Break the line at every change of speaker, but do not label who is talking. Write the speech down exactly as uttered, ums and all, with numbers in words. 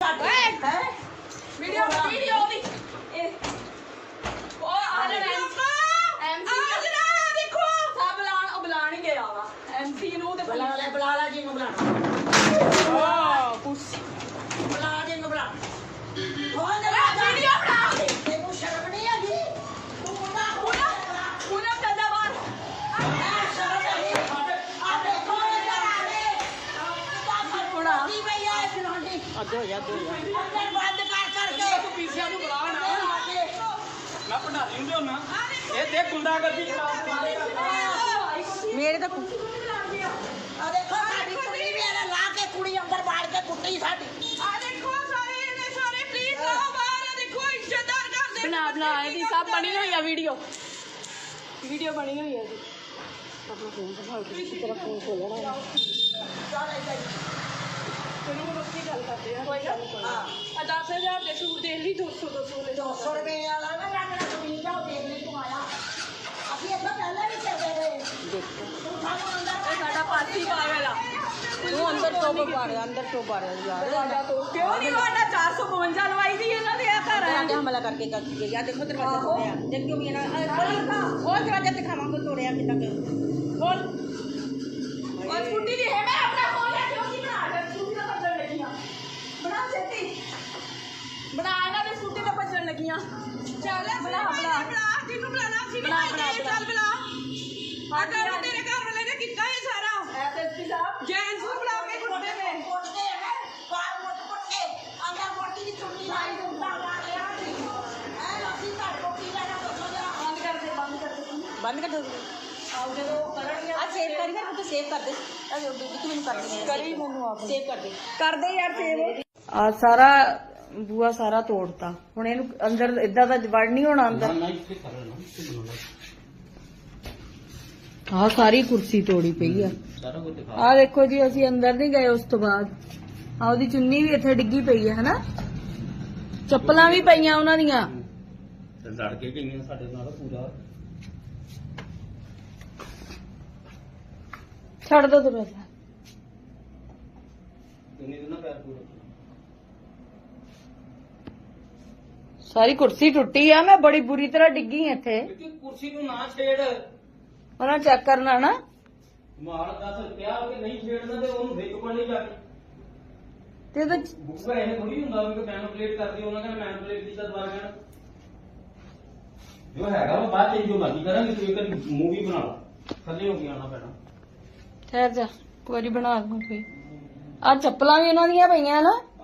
video video दी ओ आ एमसी देखो सब बुलान बुलान ही गया वा एमसी नु ते बुला ले बुला ले जी नु बुलाना वाह कुछ बुला जी नु बुला हो जरा वीडियो बना तेनू शर्म नहीं आगी तू मुंडा पूरा पूरा कदा बार आ शर्म नहीं आ देखो जरा आगे थोड़ा की भैया खिलाड़ी अदो या दो अंदर बंद कर करके तू पीछे नु बुला ना मैं पढ़ा रही हूं ना ये देख गुंडागर्दी मेरे तो आ देखो साडी कुड़ी मेरा ला के कुड़ी अंदर बाड़ के कुट्टी साडी आ देखो सारे ने सारे प्लीज आओ बाहर देखो इज्जतदार कर दे बना बना दी सब बनी हुई है वीडियो वीडियो बनी हुई है जी अपना फोन दिखाओ किसी तरह फोन खोलना है चल आई चलो रोटी गल करते हैं कोई गल नहीं हां दस हज़ार दे सूट देख ली दो सौ दो सौ ले दो सौ रुपए वाला ना लगना कमीज जाओ देख ले तू आया अभी ऐसा पहले भी चल रहे देखो तू थानो अंदर ए साडा पासी पागल आ तू अंदर तो बारे अंदर तो बारे यार साडा तो क्यों नहीं वाला चार सौ पचवंजा लवाई दी इना दे घर है हमला करके कर दिए यार देखो दरवाजा तोड़या देख क्यों मेरा वो दरवाजा दिखावांगे तोड़या कितना बोल और स्कूटी दी है मैं अपना फोन है क्यों की बना कर स्कूटी तो बजन लगियां बना छेती बना ना दे स्कूटी तो बजन लगियां चल बना बना बना जिन्नू बुलाना सी बना बना चल बुला हां कर तेरे घर वाले ने कितना है सारा एसएसपी साहब जेंट्स को बुला के कुत्ते में कुत्ते है कार मोट कुत्ते अंदर मोटी की चुन्नी लाई दूंगा मार लिया है रसी का टोपी लेना तो जरा बंद कर दे बंद कर दे बंद कर दो आओ जो करन आ सेव कर यार तो सेव कर दे तू मैंने कर दे करी मैंने आप सेव कर दे कर दे यार सेव आ सारा ਬੂਆ ਸਾਰਾ ਤੋੜਤਾ ਹੁਣ ਇਹਨੂੰ ਅੰਦਰ ਇਦਾਂ ਦਾ ਵੜ ਨਹੀਂ ਹੋਣਾ ਅੰਦਰ ਆਹ ਸਾਰੀ ਕੁਰਸੀ ਤੋੜੀ ਪਈ ਆ ਆਹ ਦੇਖੋ ਜੀ ਅਸੀਂ ਅੰਦਰ ਨਹੀਂ ਗਏ ਉਸ ਤੋਂ ਬਾਅਦ ਆ ਉਹਦੀ ਚੁੰਨੀ ਵੀ ਇੱਥੇ ਡਿੱਗੀ ਪਈ ਹੈ ਹਨਾ ਚੱਪਲਾਂ ਵੀ ਪਈਆਂ ਉਹਨਾਂ ਦੀਆਂ ਲੜ ਕੇ ਗਈਆਂ ਸਾਡੇ ਨਾਲ ਪੂਰਾ ਛੱਡ ਦੋ ਦਰਵਾਜ਼ਾ ਚੁੰਨੀ ਦੇ ਨਾ ਪੈਰ ਪੂਰਾ सारी कुर्सी टुटी है मैं बड़ी बुरी तरह डिगी इथे कुर्सी को ना छेड़ उन्हें चेक करना ना माल दस रुपया के नहीं छेड़ना ते ओनू विक पड़नी जाके ते तो बुक पे ऐसे थोड़ी हुंदा कि मैनिपुलेट कर दी उन्होंने कहना मैनिपुलेट कीता दोबारा कहना जो हैगा वो बात चेंज जो मर्जी करांगे तू एक मूवी बना लो थल्ले हो गया आना पैना ठहर जा कोई बना दूं कोई आ चप्पलां भी उन्हां दियां पईयां ना